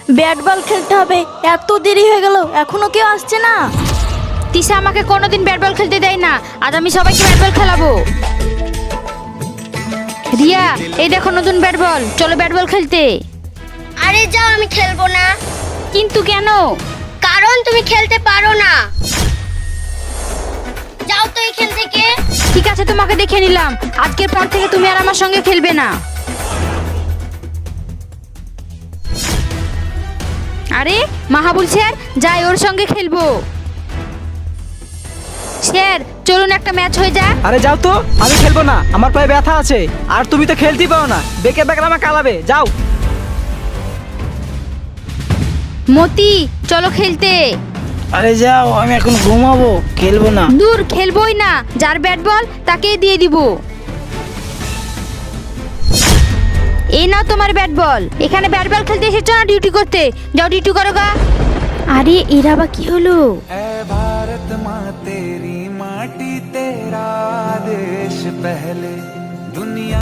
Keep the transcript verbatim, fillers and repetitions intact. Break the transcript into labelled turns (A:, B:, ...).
A: Bat ball খেলতে হবে। এত দেরি হয়ে গেল, এখনো কেউ আসছে না।
B: তিশা আমাকে কোনোদিন ব্যাট বল খেলতে দেয় না, আজ আমি সবাইকে ব্যাট বল খেলাবো। রিয়া, এই দেখো নতুন ব্যাট বল, চলো ব্যাট বল খেলতে।
C: আরে যাও, আমি খেলবো না।
B: কিন্তু কেন?
C: কারণ তুমি খেলতে পারো না। যাও তো এখান থেকে।
B: ঠিক আছে, তোমাকে দেখে নিলাম, আজকের পর থেকে তুমি আর আমার সঙ্গে খেলবে না। আরে মাহাবুল স্যার, যাই ওর সঙ্গে খেলবো। স্যার চলুন একটা ম্যাচ হয়ে যাক।
D: আরে যাও তো, আমি খেলবো না, আমার পায়ে ব্যথা আছে। আর তুমি তো খেলতেই পারো না, বেঁকে বেঁকে আমাকে কালাবে। যাও।
B: মতি, চলো খেলতে।
E: আরে যাও, আমি এখন ঘুমাবো, খেলবো না।
B: দূর, খেলবোই না, যার ব্যাট বল তাকেই দিয়ে দিব। এই নাও তোমার ব্যাট বল। এখানে ব্যাট বল খেলতে এসেছো না ডিউটি করতে? যাও ডিউটি করো গা।
A: আরে এরা বা কি হলো?
F: ऐ भारत माँ तेरी माटी तेरा देश पहले दुनिया